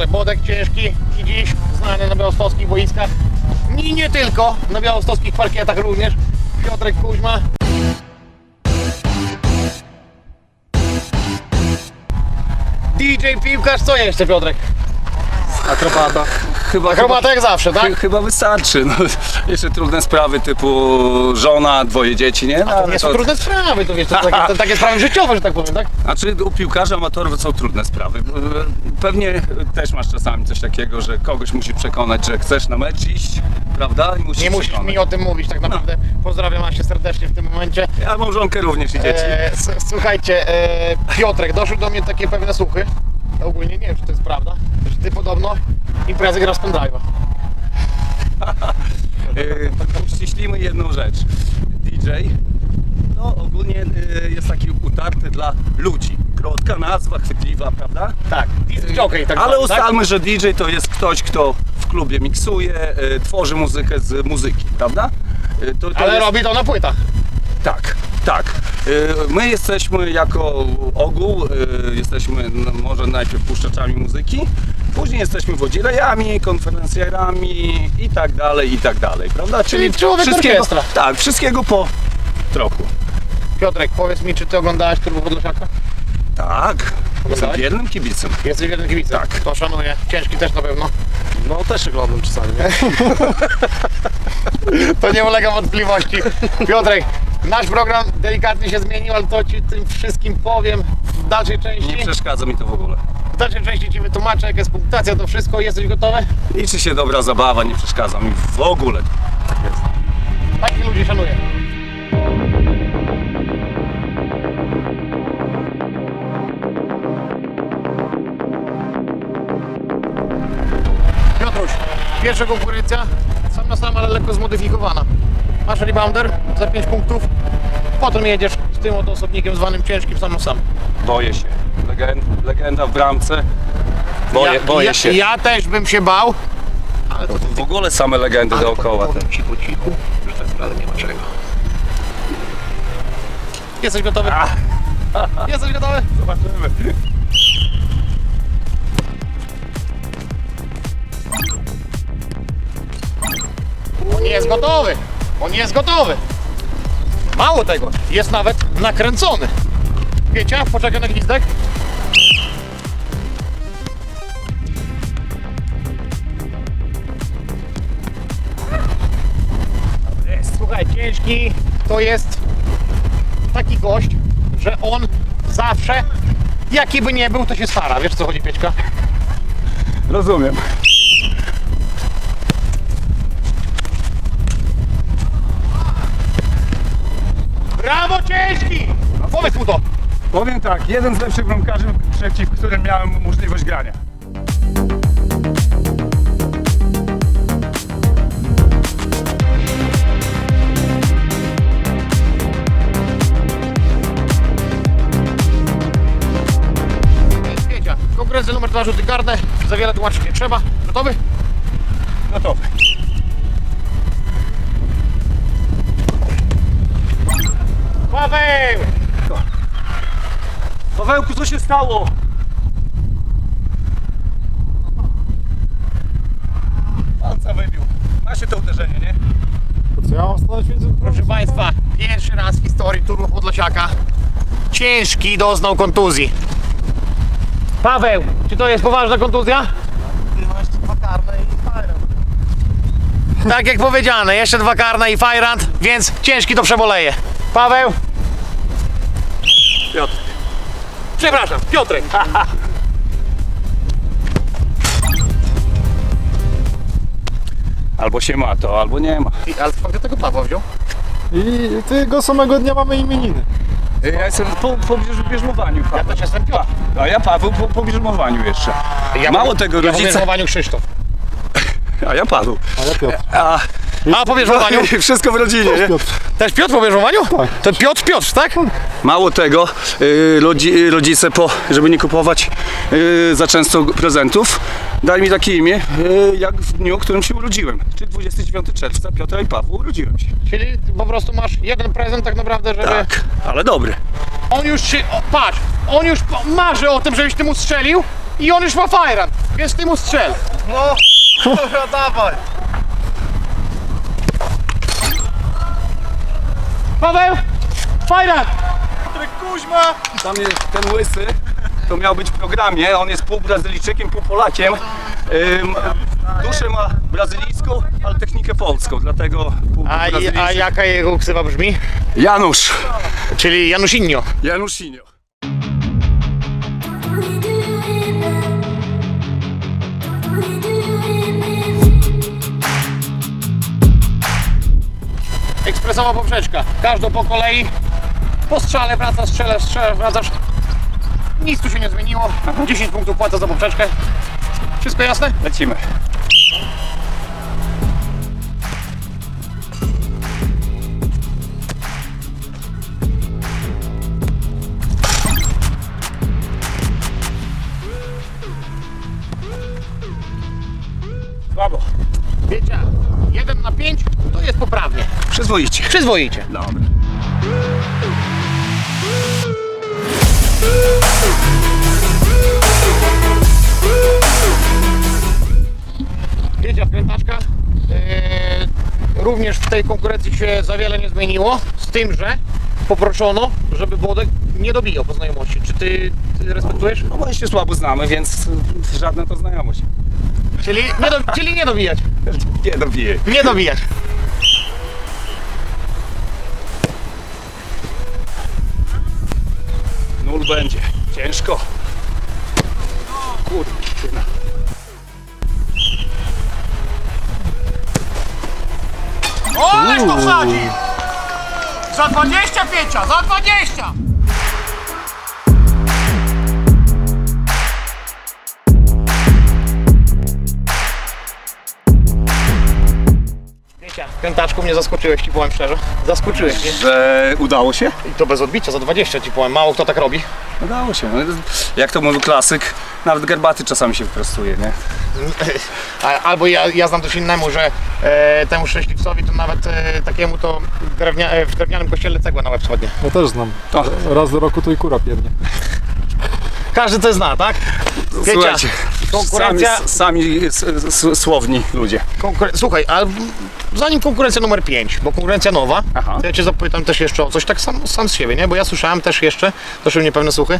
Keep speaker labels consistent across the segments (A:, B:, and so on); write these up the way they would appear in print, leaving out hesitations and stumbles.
A: Piotrze, Bodek ciężki i dziś znany na białostockich boiskach. I nie tylko, na białostockich parkietach również. Piotrek Kuźma. DJ piłkarz, co jeszcze Piotrek?
B: Akrobata.
A: Akrobata jak zawsze, tak?
B: Chyba wystarczy. No, jeszcze trudne sprawy typu żona, dwoje dzieci, nie? No,
A: To nie są trudne sprawy, to wiesz, to takie sprawy życiowe, że tak powiem, tak?
B: Znaczy u piłkarzy amatorów są trudne sprawy. Pewnie też masz czasami coś takiego, że kogoś musisz przekonać, że chcesz na mecz iść, prawda? I
A: Nie musisz mi o tym mówić, tak naprawdę. Pozdrawiam Asię serdecznie w tym momencie.
B: Ja mam żonkę również i dzieci.
A: Słuchajcie, Piotrek, doszły do mnie takie pewne słuchy. Ja ogólnie nie wiem, czy to jest prawda, że ty podobno imprezy grasz z pendrive'a.
B: Uściślimy jedną rzecz. DJ no ogólnie jest taki utarty dla ludzi. Krótka nazwa, chwytliwa, prawda?
A: Tak, disc jockey tak
B: ale
A: zwany,
B: ustalmy,
A: tak?
B: że DJ to jest ktoś, kto w klubie miksuje, tworzy muzykę z muzyki, prawda?
A: Ale
B: jest...
A: robi to na płytach.
B: Tak, tak. My jesteśmy jako ogół, jesteśmy może najpierw puszczaczami muzyki, później jesteśmy wodzilejami, konferencjerami i tak dalej, prawda?
A: Czyli człowiek orkiestra.
B: Tak, wszystkiego po trochu.
A: Piotrek, powiedz mi, czy ty oglądałeś Turbo Podlasiaka?
B: Tak, jestem
A: Oglądałeś?
B: wiernym kibicem.
A: Jesteś jednym kibicem?
B: Tak.
A: To szanuję. Ciężki też na pewno.
C: No też oglądam czasami, nie?
A: To nie ulega wątpliwości. Piotrek, nasz program delikatnie się zmienił, ale to ci tym wszystkim powiem w dalszej części.
B: Nie przeszkadza mi to w ogóle.
A: W dalszej części ci wytłumaczę, jaka jest punktacja, to wszystko. Jesteś gotowy?
B: Liczy się dobra zabawa, nie przeszkadza mi w ogóle. Tak jest.
A: Takich ludzi szanuję. Piotruś, pierwsza konkurencja, sam na sam, ale lekko zmodyfikowana. Masz rebounder za 5 punktów, potem jedziesz z tym oto osobnikiem zwanym ciężkim sam na sam.
B: Boję się. Legenda w bramce. Boję się.
A: Ja też bym się bał, ale to
B: W ogóle same legendy dookoła.
A: powiem cichu, że tak naprawdę nie ma czego. Jesteś gotowy? Jesteś gotowy?
B: Zobaczymy.
A: On nie jest gotowy! On nie jest gotowy! Mało tego, jest nawet nakręcony. Wiecie, poczekaj na gwizdek. Słuchaj, ciężki to jest taki gość, że on zawsze, jaki by nie był, to się stara. Wiesz, o co chodzi, Piećka?
B: Rozumiem.
A: Brawo, ciężki! Powiedz mu to.
B: Powiem tak, jeden z lepszych bramkarzy, przeciw którym miałem możliwość grania.
A: Piecia, konkurencja numer 2, rzuty karne. Za wiele tłumaczyć nie trzeba. Gotowy?
B: Gotowy.
A: Paweł!
B: Pawełku, co się stało? Palca wybił. Ma się to uderzenie, nie?
C: Co ja mam stanąć między...
A: Proszę Państwa, pierwszy raz w historii Turbo Podlasiaka ciężki doznał kontuzji. Paweł, czy to jest poważna kontuzja?
C: Ty masz tu 2 karne i fajne.
A: Tak jak powiedziane, jeszcze 2 karne i fajrant, więc ciężki to przeboleje. Paweł?
B: Piotr.
A: Przepraszam, Piotrek.
B: Albo się ma to, albo nie ma.
A: Ale skąd tego Pawła wziął?
C: I tego samego dnia mamy imieniny.
B: Ja jestem po bierzmowaniu.
A: Ja też jestem Piotr.
B: A ja Paweł po bierzmowaniu jeszcze. Mało tego,
A: ja
B: rodzice...
A: po Krzysztof.
B: A ja Paweł.
C: Ale Piotr.
A: A po bierzmowaniu?
B: Wszystko w rodzinie, nie?
C: Piotr.
A: Też Piotr po bierzmowaniu?
C: Tak.
A: To Piotr, tak?
B: Mało tego, rodzice żeby nie kupować za często prezentów, dali mi takie imię, jak w dniu, w którym się urodziłem. Czyli 29 czerwca Piotra i Pawła urodziłem się.
A: Czyli po prostu masz jeden prezent tak naprawdę, żeby...
B: Tak, ale dobry.
A: On już się... O, patrz! On już marzy o tym, żebyś ty mu strzelił, i on już ma fajran, więc ty mu strzel.
C: No, dobra, dawaj.
A: Paweł, fajran!
C: Kuźma!
B: Tam jest ten łysy, to miał być w programie, on jest pół Brazylijczykiem, pół Polakiem. Duszę ma brazylijską, ale technikę polską, dlatego pół
A: A
B: Brazylijczyk.
A: jaka jego ksywa brzmi?
B: Janusz.
A: Czyli Janusinho.
B: Janusinho.
A: Ekspresowa poprzeczka. Każdą po kolei. Po strzale wracasz, strzelasz, wracasz. Nic tu się nie zmieniło. 10 punktów płacę za poprzeczkę. Wszystko jasne?
B: Lecimy. Słabo.
A: Wiecie, 1 na 5 to jest poprawnie.
B: Przyzwoicie.
A: Przyzwoicie.
B: Dobra.
A: Wiecie, wkrętaczka. Również w tej konkurencji się za wiele nie zmieniło. Z tym, że poproszono, żeby Włodek nie dobijał po znajomości. Czy ty respektujesz?
B: No bo się słabo znamy, więc żadna to znajomość.
A: Czyli nie dobijać.
B: Nie dobiję.
A: Nie dobijać.
B: Nul będzie. Ciężko. Kurde.
A: O, ależ to wsadzi! Za 25, za 20! Wiecie, krętaczku mnie zaskoczyłeś, ci powiem szczerze. Zaskoczyłeś mnie.
B: Że udało się?
A: I to bez odbicia, za 20 ci powiem. Mało kto tak robi.
B: Udało się. No, jak to mówił klasyk, nawet garbaty czasami się wyprostuje, nie?
A: Albo ja znam też innemu, że temu szczęśliwcowi to nawet takiemu to w drewnianym kościele cegła na łeb schodnie.
C: Ja też znam.
B: To.
C: Raz do roku to i kura pierdnie.
A: Każdy to zna, tak? Wiecie,
B: Słuchajcie,
A: konkurencja...
B: sami słowni ludzie.
A: Słuchaj, a zanim konkurencja numer 5, bo konkurencja nowa,
B: Aha.
A: to ja cię zapytam też jeszcze o coś, tak sam z siebie, nie? Bo ja słyszałem też jeszcze, doszły mnie pewne słuchy.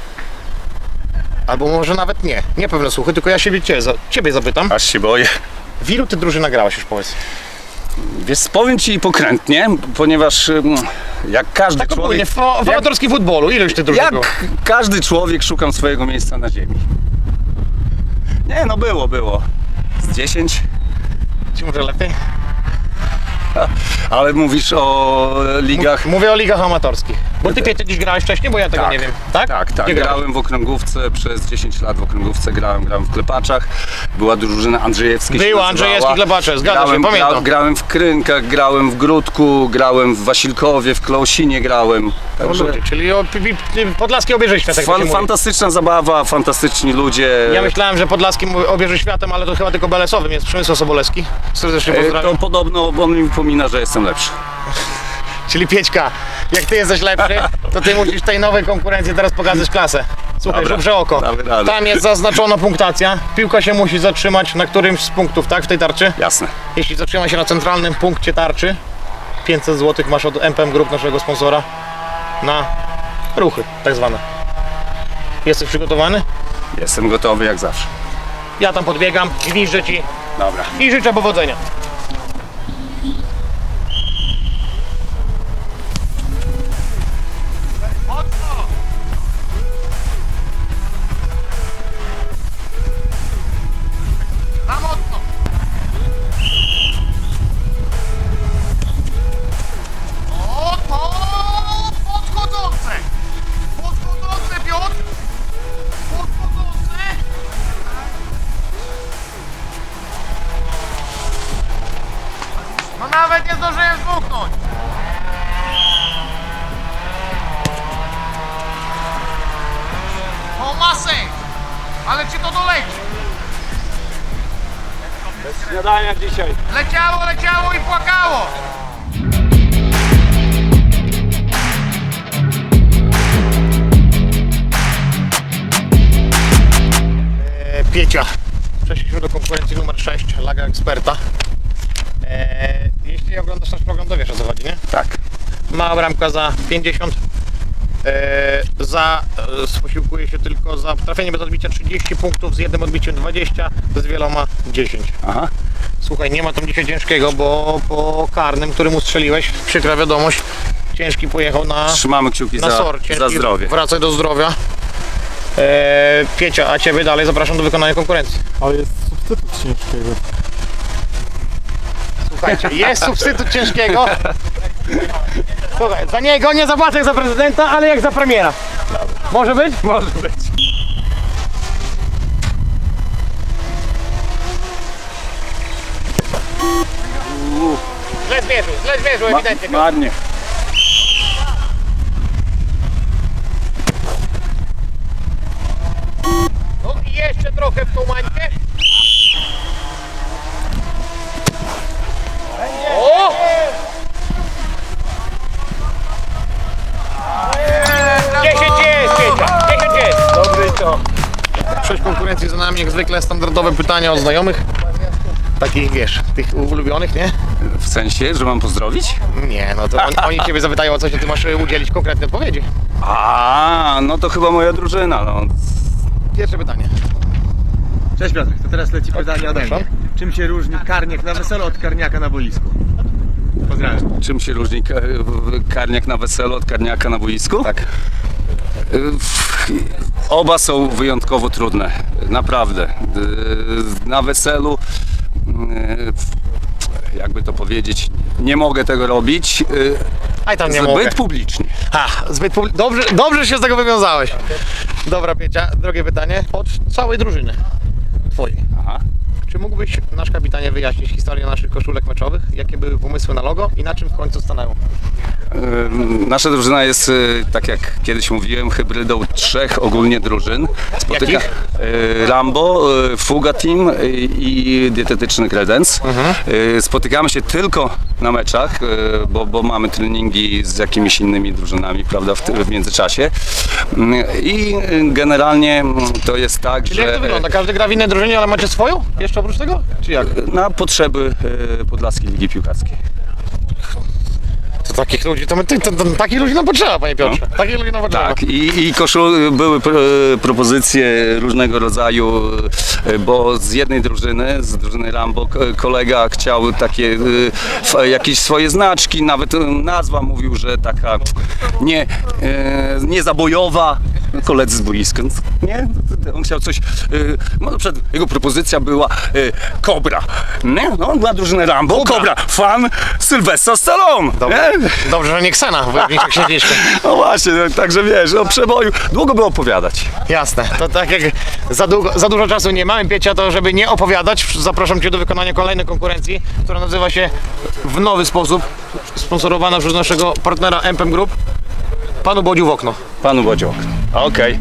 A: Albo może nawet nie pewne słuchy, tylko ja ciebie zapytam.
B: Aż się boję.
A: W ilu ty drużyn nagrałeś już, powiedz?
B: Wiesz, powiem ci pokrętnie, ponieważ jak każdy
A: Tak ogólnie,
B: człowiek...
A: w amatorskim futbolu, ileś ty drużyn było?
B: Jak każdy człowiek szukam swojego miejsca na ziemi. Nie, no było. Z 10.
A: Czy może lepiej?
B: Ale mówisz o ligach...
A: Mówię o ligach amatorskich. Bo ty kiedyś grałeś wcześniej, bo ja tego nie wiem. Tak?
B: Tak.
A: Gdzie grałeś?
B: Grałem w okręgówce przez 10 lat w okręgówce, grałem w Klepaczach. Była drużyna Andrzejewski. się
A: Była
B: nazywała.
A: Andrzejewski Klepacze, zgadza się, pamiętam.
B: Grałem w Krynkach, grałem w Gródku, grałem w Wasilkowie, w Klaosinie grałem.
A: O, ludzie, czyli o podlaskie obieże świata. jak to się mówi.
B: Fantastyczna zabawa, fantastyczni ludzie.
A: Ja myślałem, że podlaskim obieży światem, ale to chyba tylko belesowym jest Przemysław Sobolewski. Serdecznie
B: To
A: pozdrawiam.
B: podobno on mi wypomina, że jestem lepszy.
A: Czyli Piećka, jak ty jesteś lepszy, to ty musisz tej nowej konkurencji teraz pokazać klasę. Słuchaj,
B: Dobra,
A: żubrze oko.
B: damy radę.
A: Tam jest zaznaczona punktacja. Piłka się musi zatrzymać na którymś z punktów, tak? W tej tarczy.
B: Jasne.
A: Jeśli zatrzyma się na centralnym punkcie tarczy, 500 zł masz od MPM Group, naszego sponsora, na ruchy tak zwane. Jesteś przygotowany?
B: Jestem gotowy jak zawsze.
A: Ja tam podbiegam, gwiżdżę ci
B: Dobra.
A: i życzę powodzenia. Za mocno. O, to podchodzące. Podchodzące, Piotr. Podchodzące. No nawet nie zdążyłem zbuchnąć. O, masę. Ale ci to doleci.
B: Śniadania dzisiaj.
A: Leciało i płakało. Piecia. Przeszliśmy do konkurencji numer 6, Laga Eksperta. Jeśli oglądasz nasz program, to wiesz, o co chodzi, nie?
B: Tak.
A: Mała bramka za 50. Posiłkuje się tylko za trafienie bez odbicia 30 punktów, z jednym odbiciem 20, z wieloma 10.
B: Aha.
A: Słuchaj, nie ma tam dzisiaj ciężkiego, bo po karnym, który mu strzeliłeś, przykra wiadomość, ciężki pojechał na
B: Trzymamy kciuki
A: SOR.
B: za
A: Ciężki,
B: zdrowie.
A: Wracaj do zdrowia. Piecia, a Ciebie dalej zapraszam do wykonania konkurencji.
C: Ale jest substytut ciężkiego.
A: Słuchajcie, jest substytut ciężkiego. Słuchaj, za niego nie zapłacę jak za prezydenta, ale jak za premiera. Może być?
B: Może być.
A: Źle zmierzył, ewidentnie.
B: Ładnie.
A: No i jeszcze trochę w tą mańkę. O! 10 jest, Piecia, 10 jest.
B: Dobry to.
A: 6 konkurencji za nami, jak zwykle standardowe pytania od znajomych. Takich, wiesz, tych ulubionych, nie?
B: W sensie, że mam pozdrowić?
A: Nie, no to oni Ciebie zapytają o coś, a Ty masz udzielić konkretnej odpowiedzi.
B: A, no to chyba moja drużyna. No.
A: Pierwsze pytanie.
D: Cześć Piotrek, to teraz leci pytanie ode mnie.
A: Proszę.
D: Czym się różni karniak na weselu od karniaka na boisku? Pozdrawiam.
B: Czym się różni karniak na weselu od karniaka na boisku?
A: Tak.
B: Oba są wyjątkowo trudne, naprawdę. Na weselu, jakby to powiedzieć, nie mogę tego robić
A: Aj tam nie
B: zbyt
A: mogę.
B: publicznie.
A: Dobrze się z tego wywiązałeś. Dobra, Piecia, drugie pytanie. Od całej drużyny Twojej.
B: Aha.
A: Czy mógłbyś, nasz kapitanie, wyjaśnić historię naszych koszulek meczowych? Jakie były pomysły na logo i na czym w końcu stanęło?
B: Nasza drużyna jest, tak jak kiedyś mówiłem, hybrydą 3 ogólnie drużyn.
A: Jakich?
B: Rambo, Fuga Team i Dietetyczny Kredens. Spotykamy się tylko na meczach, bo mamy treningi z jakimiś innymi drużynami, prawda, w międzyczasie. I generalnie to jest tak,
A: Czyli
B: że
A: jak to wygląda? Każdy gra w innej drużynie, ale macie swoją? Jeszcze oprócz tego? Czy jak?
B: na potrzeby Podlaskiej Ligi Piłkarskiej.
A: To takich ludzi, takich ludzi nam potrzeba, panie Piotrze. Takich ludzi nam potrzeba.
B: Tak, i były propozycje różnego rodzaju, bo z jednej drużyny, z drużyny Rambo, kolega chciał takie jakieś swoje znaczki, nawet nazwa mówił, że taka nie zabojowa. Koledzy z boiska, nie? On chciał coś, jego propozycja była Kobra, nie? No, dla drużyny Rambo, Kobra, fan Sylwestra Stallone, nie?
A: Dobrze, że nie Ksena w Wojowniczych Księżniczkę.
B: No właśnie, no, także wiesz, o przeboju długo by opowiadać.
A: Jasne, to tak jak za dużo czasu nie mamy, Piecia, to żeby nie opowiadać, zapraszam Cię do wykonania kolejnej konkurencji, która nazywa się w nowy sposób, sponsorowana przez naszego partnera MPM Group, Panu Bodziu w okno.
B: Panu Bodziok. Okej.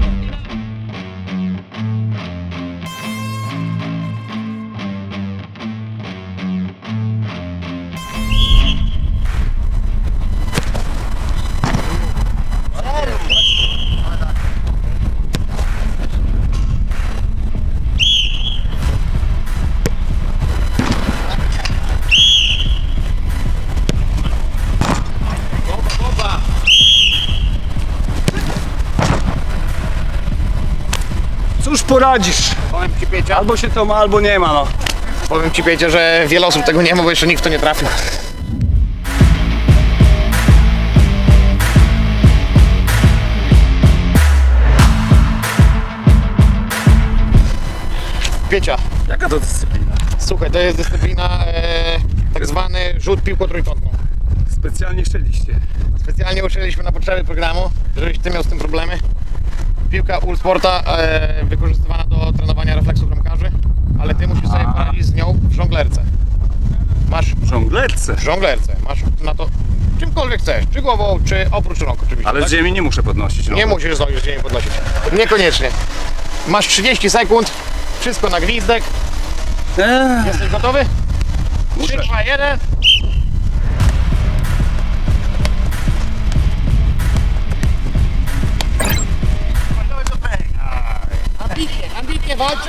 B: Cóż poradzisz?
A: Powiem Ci, Piecia,
B: Albo się to ma, albo nie ma, no.
A: powiem Ci, Piecia, że wiele osób tego nie ma, bo jeszcze nikt w to nie trafił. Piecia,
B: Jaka to dyscyplina?
A: słuchaj, to jest dyscyplina tak zwany rzut piłką trójkątną.
B: Specjalnie szczeliście.
A: Specjalnie uczyliśmy na potrzeby programu, żebyś Ty miał z tym problemy. Piłka Ulsporta wykorzystywana do trenowania refleksów bramkarzy, ale Ty musisz sobie poradzić z nią w żonglerce. Masz
B: W żonglerce.
A: w żonglerce, masz na to czymkolwiek chcesz, czy głową, czy oprócz rąk oczywiście.
B: Ale
A: tak?
B: z ziemi nie muszę podnosić. No.
A: Nie musisz zdążyć z ziemi podnosić. Niekoniecznie. Masz 30 sekund, wszystko na gwizdek. Jesteś gotowy? 3, 2, 1. Ambitnie, walczył.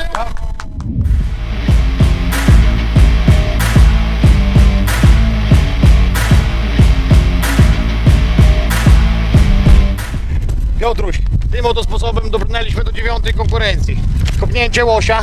A: Piotruś, tym oto sposobem dobrnęliśmy do 9. konkurencji. Kopnięcie łosia.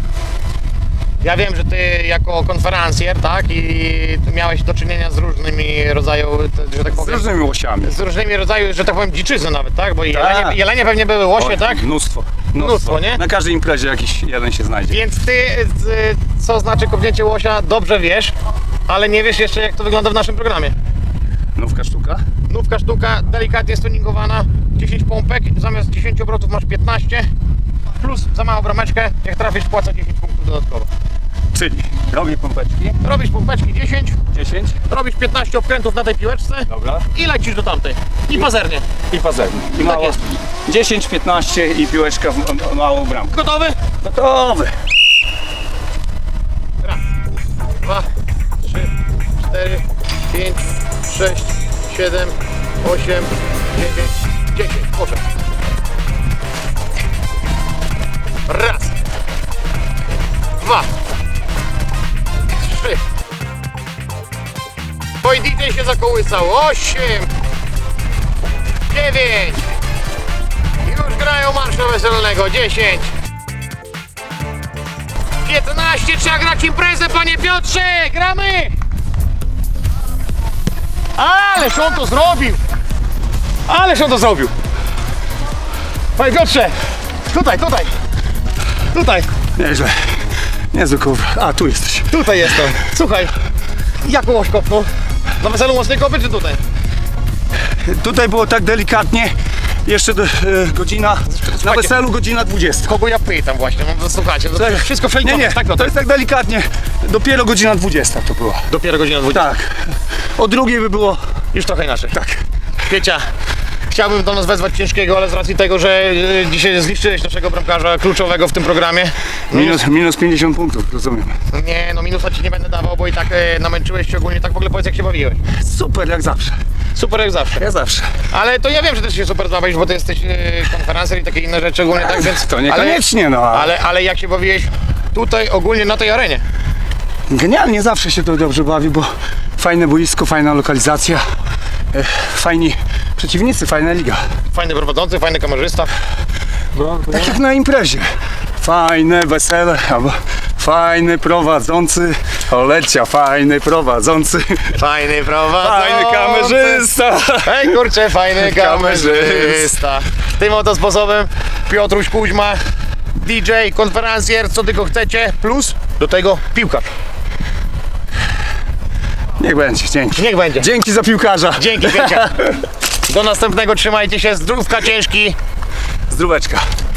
A: Ja wiem, że ty jako konferencjer, tak, i ty miałeś do czynienia z różnymi rodzajami, że tak
B: Z
A: powiem,
B: różnymi łosiami.
A: z różnymi rodzajami, że tak powiem, dziczyzny nawet, tak? Bo
B: Tak.
A: jelenie pewnie były łosie,
B: Oj,
A: tak?
B: Mnóstwo.
A: Mnóstwo, nie?
B: Na każdej imprezie jakiś jeden się znajdzie.
A: Więc ty, co znaczy kopnięcie łosia, dobrze wiesz, ale nie wiesz jeszcze, jak to wygląda w naszym programie.
B: Nówka sztuka.
A: Nówka sztuka, delikatnie stuningowana, 10 pompek, zamiast 10 obrotów masz 15, plus za małą brameczkę, jak trafisz, płaca 10 punktów dodatkowo.
B: Czyli robię pompeczki.
A: Robisz pompeczki 10,
B: 10.
A: robisz 15 obkrętów na tej piłeczce
B: Dobra.
A: i lecisz do tamtej. I pazernie.
B: I pazerny. I mało.
A: jest.
B: 10, 15 i piłeczka w małą bramkę.
A: Gotowy?
B: Gotowy.
A: Raz, 2, 3, 4, 5, 6, 7, 8, 9, 10. Proszę. Raz, 2, 3. Oj, DJ się zakołysał. 8, 9. Już grają marsza weselnego. 10. 15, trzeba grać imprezę, panie Piotrze! Gramy! Ależ on to zrobił! Ależ on to zrobił! Panie Piotrze! Tutaj, tutaj! Tutaj!
B: Nieźle. Niezły kurwa. A, tu jesteś.
A: Tutaj jest to! Słuchaj, jak łoś kopnął? Na weselu mocnej kopy czy tutaj?
B: Tutaj było tak delikatnie. Jeszcze godzina. Na
A: Słuchajcie.
B: weselu godzina 20.
A: Kogo ja pytam właśnie, no słuchajcie, to wszystko
B: Nie, nie,
A: tak,
B: to jest tak delikatnie. Dopiero godzina 20 to była.
A: Dopiero godzina 20.
B: Tak. O drugiej by było.
A: Już trochę inaczej.
B: Tak.
A: Piecia, chciałbym do nas wezwać ciężkiego, ale z racji tego, że dzisiaj zniszczyłeś naszego bramkarza kluczowego w tym programie. No
B: Minus 50 punktów, rozumiem.
A: nie, no minusa ci nie będę dawał, bo i tak namęczyłeś się ogólnie. Tak w ogóle powiedz, jak się bawiłeś.
B: Super jak zawsze.
A: Super jak zawsze.
B: Ja zawsze.
A: Ale to ja wiem, że ty się super bawisz, bo ty jesteś konferencer i takie inne rzeczy ogólnie, tak więc...
B: To niekoniecznie, no.
A: Ale jak się bawiłeś tutaj ogólnie na tej arenie?
B: Genialnie zawsze się to dobrze bawi, bo fajne boisko, fajna lokalizacja, fajni przeciwnicy, fajna liga.
A: Fajny prowadzący, fajny kamerzysta.
B: Tak jak na imprezie. Fajne wesele, albo fajny prowadzący, Olecia, fajny prowadzący,
A: Fajny prowadzący.
B: fajny kamerzysta.
A: Hej kurczę, fajny
B: Kamerzysta.
A: kamerzysta. Tym oto sposobem Piotruś Kuźma, DJ, konferencjer, co tylko chcecie, plus do tego piłkarz.
B: Niech będzie, dzięki.
A: Niech będzie.
B: Dzięki za piłkarza.
A: Dzięki, Piecia. Do następnego, trzymajcie się, zdrówka ciężki.
B: Zdróweczka.